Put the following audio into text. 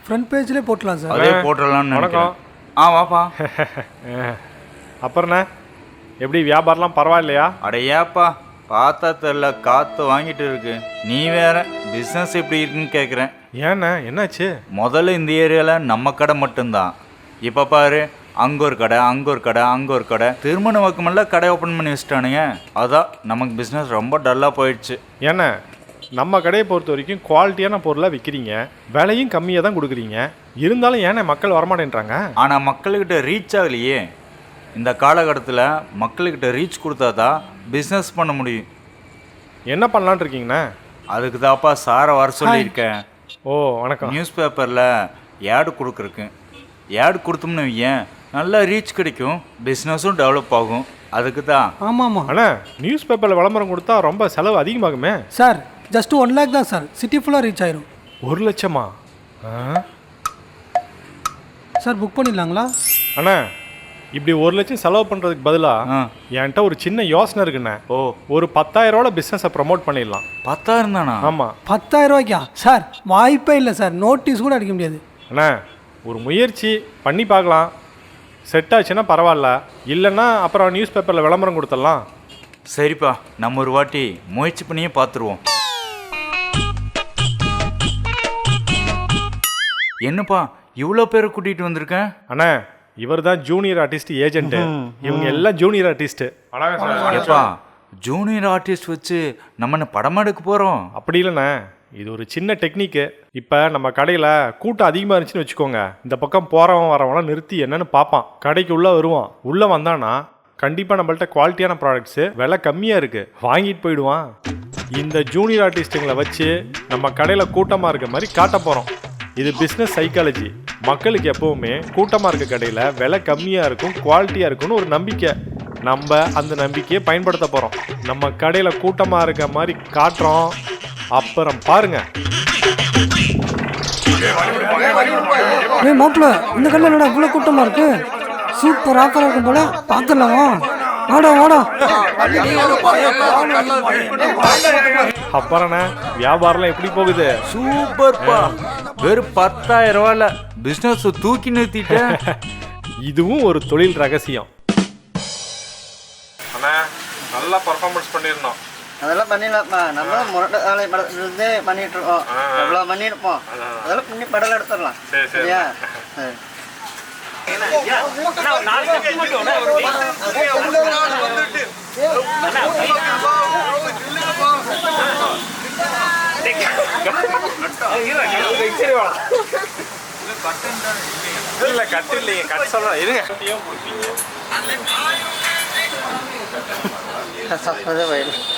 Front பேஜ்லேயே போட்டலாம் sir. அதே போட்டுடலாம்னு நினைக்கிறேன். வாப்பா. அப்புறண்ணே எப்படி வியாபாரம்லாம் பரவாயில்லையா? அடையாப்பா பார்த்தா தெரில, காற்று வாங்கிட்டு இருக்கு. நீ வேற பிஸ்னஸ் எப்படி இருக்குன்னு கேட்குறேன். ஏண்ணே என்னாச்சு? முதல்ல இந்த ஏரியாவில் நம்ம கடை மட்டும்தான். இப்போ பாரு, அங்கே ஒரு கடை, அங்கே ஒரு கடை, அங்கே ஒரு கடை, திருமண வக்கமெல்லாம் கடை ஓப்பன் பண்ணி வச்சுட்டானுங்க. அதான் நமக்கு பிஸ்னஸ் ரொம்ப டல்லாக போயிடுச்சு. ஏண்ணே நம்ம கடையை பொறுத்த வரைக்கும் குவாலிட்டியான பொருளாக விற்கிறீங்க, விலையும் கம்மியாக தான் கொடுக்குறீங்க. இருந்தாலும் ஏண்ணே மக்கள் வரமாட்டேன்றாங்க? ஆனால் மக்கள்கிட்ட ரீச் ஆகலையே. இந்த காலகட்டத்தில் மக்கள்கிட்ட ரீச் கொடுத்தா தான் பிஸ்னஸ் பண்ண முடியும். என்ன பண்ணலான் இருக்கீங்கண்ணே? அதுக்கு தான்ப்பா சாரை வர சொல்லியிருக்கேன். ஓ வணக்கம். நியூஸ் பேப்பரில் ஏடு கொடுக்குறக்கு. ஏடு கொடுத்தோம்னு வையேன், நல்லா ரீச் கிடைக்கும், பிஸ்னஸும் டெவலப் ஆகும். அதுக்கு தான். ஆமாம் அண்ணா நியூஸ் பேப்பரில் விளம்பரம் கொடுத்தா ரொம்ப செலவு அதிகமாகுமே சார். ஜஸ்ட் 1 lakh தான் சார், சிட்டி ஃபுல்லாக ரீச் ஆயிரும். 1 லட்சமா? Sir book பண்ணிடலாங்களா? அண்ணா இப்படி 1 லட்சம் செலவு பண்ணுறதுக்கு பதிலாக என்கிட்ட ஒரு சின்ன யோசனை இருக்குண்ணே. ஒரு 10,000 ரூபாய் பிஸ்னஸை ப்ரமோட் பண்ணிடலாம். 10,000 தானா? ஆமாம். 10,000 ரூபாய்க்கா சார்? வாய்ப்பே இல்லை சார், நோட்டீஸ் கூட அடிக்க முடியாது. அண்ணா ஒரு முயற்சி பண்ணி பார்க்கலாம், செட் ஆச்சுன்னா பரவாயில்ல, இல்லைன்னா அப்புறம் நியூஸ் பேப்பரில் விளம்பரம் கொடுத்துடலாம். சரிப்பா, நம்ம ஒரு வாட்டி முயற்சி பண்ணியே பார்த்துருவோம். என்னப்பா இவ்வளோ பேரை கூட்டிகிட்டு வந்திருக்கேன்? அண்ணா இவர் தான் ஜூனியர் ஆர்டிஸ்ட் ஏஜென்ட்டு. இவங்க எல்லாம் ஜூனியர் ஆர்டிஸ்ட்டு. எப்பா ஜூனியர் ஆர்டிஸ்ட் வச்சு நம்ம என்ன படமா எடுக்க போகிறோம்? அப்படி இல்லைண்ணே, இது ஒரு சின்ன டெக்னிக்கு. இப்போ நம்ம கடையில் கூட்டம் அதிகமாக இருந்துச்சுன்னு வச்சுக்கோங்க, இந்த பக்கம் போகிறவன் வரவங்களாம் நிறுத்தி என்னன்னு பார்ப்பான். கடைக்கு உள்ளே வருவான். உள்ளே வந்தானா கண்டிப்பாக நம்மள்ட்ட குவாலிட்டியான ப்ராடக்ட்ஸு விலை கம்மியாக இருக்குது வாங்கிட்டு போயிடுவான். இந்த ஜூனியர் ஆர்டிஸ்ட்டுங்களை வச்சு நம்ம கடையில் கூட்டமாக இருக்க மாதிரி காட்ட போகிறோம். இது பிஸ்னஸ் சைக்காலஜி. மக்களுக்கு எப்போவுமே கூட்டமாக இருக்க கடையில் விலை கம்மியாக இருக்கும், குவாலிட்டியாக இருக்கும்னு ஒரு நம்பிக்கை. நம்ம அந்த நம்பிக்கையை பயன்படுத்த போகிறோம். நம்ம கடையில் கூட்டமாக இருக்க மாதிரி காட்டுறோம். அப்புறம் பாருங்க. மாப்பிள்ள இந்த கடையில் என்னடா இவ்வளோ கூட்டமாக இருக்கு? சூப்பர் ஆஃபராக இருக்கும் போல, பார்த்துடலாமா? வாடா வாடா. அப்புறண்ணே வியாபாரம்லாம் எப்படி போகுது? சூப்பர்ப்பா. வெறும் 10,000 ரூபாயில பிஸ்னஸ் தூக்கி நிறுத்திட்டேன். இதுவும் ஒரு தொழில் ரகசியம். அண்ணா நல்லா பர்ஃபார்மன்ஸ் பண்ணிருந்தோம். அதெல்லாம் பண்ணிடலாம்ப்பா. நம்ம முரட்டை வேலை படத்துலேருந்தே பண்ணிட்டு இருக்கோம். எவ்வளோ பண்ணியிருப்போம், அதெல்லாம் பண்ணி படம் எடுத்துடலாம். சரியா? இல்ல கட்டு இல்லைங்க, கட்டு சொல்றேன் இருங்க. சப்பதே வயல்